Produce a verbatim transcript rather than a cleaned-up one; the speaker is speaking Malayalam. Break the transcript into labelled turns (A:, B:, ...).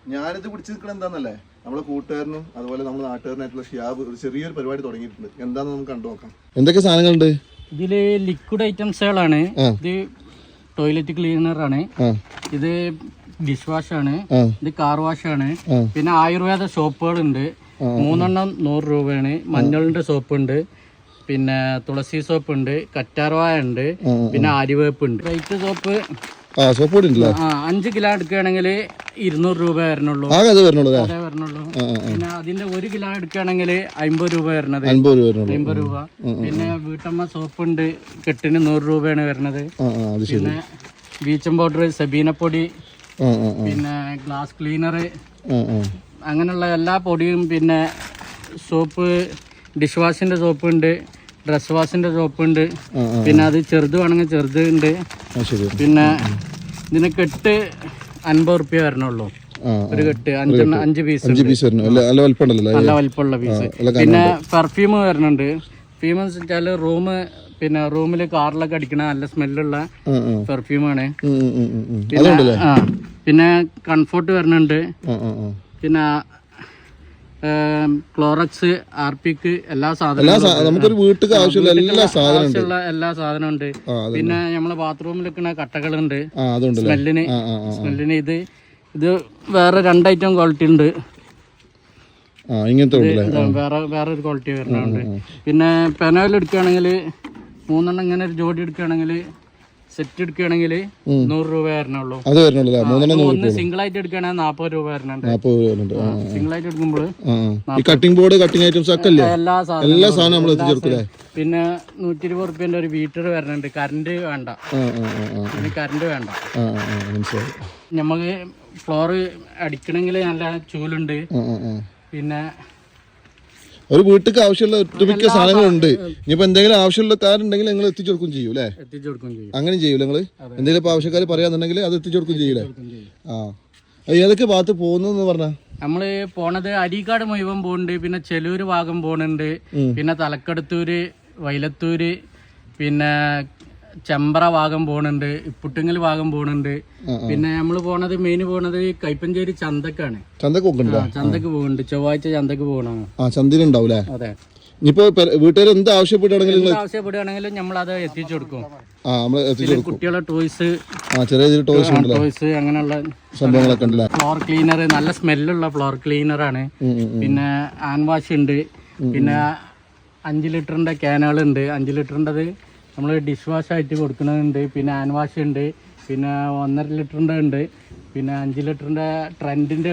A: ഞാനിത് പിടിച്ചു നിൽക്കണ എന്താന്നല്ലേ, നമ്മളെ കൂട്ടുകാരനും അതുപോലെ നമ്മുടെ നാട്ടുകാരനായിട്ടുള്ള ഷിയാബ് ഒരു ചെറിയൊരു പരിപാടി തുടങ്ങിയിട്ടുണ്ട്. എന്താന്ന് നമുക്ക് കണ്ടു നോക്കാം. എന്തൊക്കെ സാധനങ്ങളുണ്ട്
B: ഇതില്? ലിക്വിഡ് ഐറ്റംസുകളാണ്. ഇത് ടോയ്ലറ്റ് ക്ലീനർ ആണ്, ഇത് ഡിഷ് വാഷ് ആണ്, ഇത് കാർ വാഷ് ആണ്. പിന്നെ ആയുർവേദ സോപ്പുകളുണ്ട്. മൂന്നെണ്ണം നൂറ് രൂപയാണ്. മഞ്ഞളിന്റെ സോപ്പ് ഉണ്ട്, പിന്നെ തുളസി സോപ്പ് ഉണ്ട്, കറ്റാർവാഴ ഉണ്ട്, പിന്നെ ആര്യവേപ്പ് ഉണ്ട്. വൈറ്റ് സോപ്പ് അഞ്ച് കിലോ എടുക്കുകയാണെങ്കിൽ ഇരുന്നൂറ് രൂപ വരണുള്ളൂ. അതേ വരണുള്ളൂ. പിന്നെ അതിന്റെ ഒരു കിലോ എടുക്കുകയാണെങ്കിൽ അമ്പത് രൂപ വരണത്, അമ്പത് രൂപ. പിന്നെ വീട്ടമ്മ സോപ്പ് ഉണ്ട്, കെട്ടിന് നൂറ് രൂപയാണ് വരണത്. പിന്നെ ബീച്ചിങ് പൗഡർ, സബീനപ്പൊടി, പിന്നെ ഗ്ലാസ് ക്ലീനർ, അങ്ങനെയുള്ള എല്ലാ പൊടിയും. പിന്നെ സോപ്പ്, ഡിഷ് വാഷിന്റെ സോപ്പ് ഉണ്ട്, ഡ്രസ് വാഷിന്റെ സോപ്പ് ഉണ്ട്. പിന്നെ അത് ചെറുത് വേണമെങ്കിൽ ചെറുത് ഉണ്ട്. പിന്നെ ഇതിന് കെട്ട് അൻപത് റുപ്യ വരണുള്ളൂ ഒരു കെട്ട്. അഞ്ചെണ്ണം അഞ്ച് പീസ്, നല്ല വലിപ്പമുള്ള പീസ്. പിന്നെ പെർഫ്യൂം വരണുണ്ട്. പെർഫ്യൂം എന്ന് വെച്ചാൽ റൂം, പിന്നെ റൂമില് കാറിലൊക്കെ അടിക്കണ നല്ല സ്മെല്ലുള്ള പെർഫ്യൂമാണ്. പിന്നെ ആ പിന്നെ കംഫോർട്ട് വരണുണ്ട്. പിന്നെ ക്ലോറക്സ്, ആർപിക്ക്, എല്ലാ സാധനവും ആവശ്യമുള്ള എല്ലാ സാധനവും ഉണ്ട്. പിന്നെ നമ്മളെ ബാത്റൂമിൽ വെക്കുന്ന കട്ടകളുണ്ട് സ്മെല്ലിന് സ്മെല്ലിന് ഇത് ഇത് വേറെ രണ്ട് ഐറ്റം ക്വാളിറ്റി ഉണ്ട്. വേറെ വേറെ ഒരു ക്വാളിറ്റി വരുന്നുണ്ട്. പിന്നെ പെനോയിൽ എടുക്കുകയാണെങ്കിൽ മൂന്നെണ്ണം ഇങ്ങനെ ഒരു ജോഡി എടുക്കുകയാണെങ്കിൽ, സെറ്റ് എടുക്കുകയാണെങ്കിൽ നൂറ് രൂപ വരണുള്ളൂ. ഒന്ന് സിംഗിൾ ആയിട്ട് എടുക്കുകയാണെങ്കിൽ നാപ്പത് രൂപ വരണുണ്ട്. സിംഗിൾ ആയിട്ട് എടുക്കുമ്പോൾ
A: കട്ടിംഗ് ബോർഡ്, കട്ടിംഗ് ഐറ്റംസ് ഒക്കെ
B: എല്ലാ സാധനവും. പിന്നെ നൂറ്റി ഇരുപത് റുപ്യന്റെ ഒരു വീറ്റർ വരണുണ്ട്. കറണ്ട് വേണ്ട, പിന്നെ കറണ്ട് വേണ്ട. നമുക്ക് ഫ്ലോറ് അടിക്കണമെങ്കിൽ നല്ല ചൂലുണ്ട്. പിന്നെ
A: ഒരു വീട്ടിലേക്ക് ആവശ്യമുള്ള ഒട്ടുമിക്ക സാധനങ്ങളുണ്ട്. ഇനിയിപ്പോ എന്തെങ്കിലും ആവശ്യമുള്ള കാരുണ്ടെങ്കിൽ നിങ്ങൾ എത്തിച്ചു കൊടുക്കും ചെയ്യും അല്ലേ? അങ്ങനെ ചെയ്യൂല നിങ്ങള്? എന്തെങ്കിലും ഇപ്പൊ ആവശ്യക്കാർ പറയാന്നുണ്ടെങ്കിൽ അത് എത്തിച്ചു കൊടുക്കും ചെയ്യൂലേ? ആ, ഏതൊക്കെ ഭാഗത്ത് പോകുന്നു പറഞ്ഞ?
B: നമ്മള് പോണത് അരീക്കാട് മുഴുവൻ പോകുന്നുണ്ട്. പിന്നെ ചെലൂര് ഭാഗം പോകുന്നുണ്ട്. പിന്നെ തലക്കടത്തൂര്, വൈലത്തൂര്, പിന്നെ ചെമ്പ്ര ഭാഗം പോണുണ്ട്, ഇപ്പുട്ടിങ്ങൽ ഭാഗം പോണുണ്ട്. പിന്നെ നമ്മള് പോണത് മെയിൻ പോണത് കൈപ്പഞ്ചേരി ചന്തക്കാണ്. ചന്തക്ക് ചന്തക്ക് പോകുന്നുണ്ട്. ചൊവ്വാഴ്ച ചന്തക്ക് പോകണം.
A: ചന്തയിലുണ്ടാവൂലേ?
B: അതെ.
A: ഇനിയിപ്പോ വീട്ടുകാർ എന്ത് ആവശ്യപ്പെടുകയാണെങ്കിലും
B: ആവശ്യപ്പെടുകയാണെങ്കിലും നമ്മൾ അത് എത്തിച്ചു കൊടുക്കും. കുട്ടികളെ ടോയ്സ്,
A: ടോയ്സ്
B: ടോയ്സ് അങ്ങനെയുള്ള
A: സംഭവങ്ങളൊക്കെ ഉണ്ട്.
B: ഫ്ലോർ ക്ലീനർ, നല്ല സ്മെല്ലുള്ള ഫ്ലോർ ക്ലീനർ ആണ്. പിന്നെ ഹാൻഡ് വാഷ് ഉണ്ട്. പിന്നെ അഞ്ച് ലിറ്ററിന്റെ ക്യാനുകളുണ്ട്. അഞ്ച് ലിറ്ററിൻ്റെത് നമ്മൾ ഡിഷ് വാഷ് ആയിട്ട് കൊടുക്കുന്നുണ്ട്. പിന്നെ ഹാൻഡ് വാഷ് ഉണ്ട്. പിന്നെ ഒന്നര ലിറ്ററിൻ്റെ ഉണ്ട്. പിന്നെ അഞ്ച് ലിറ്ററിൻ്റെ ട്രെൻഡിൻ്റെ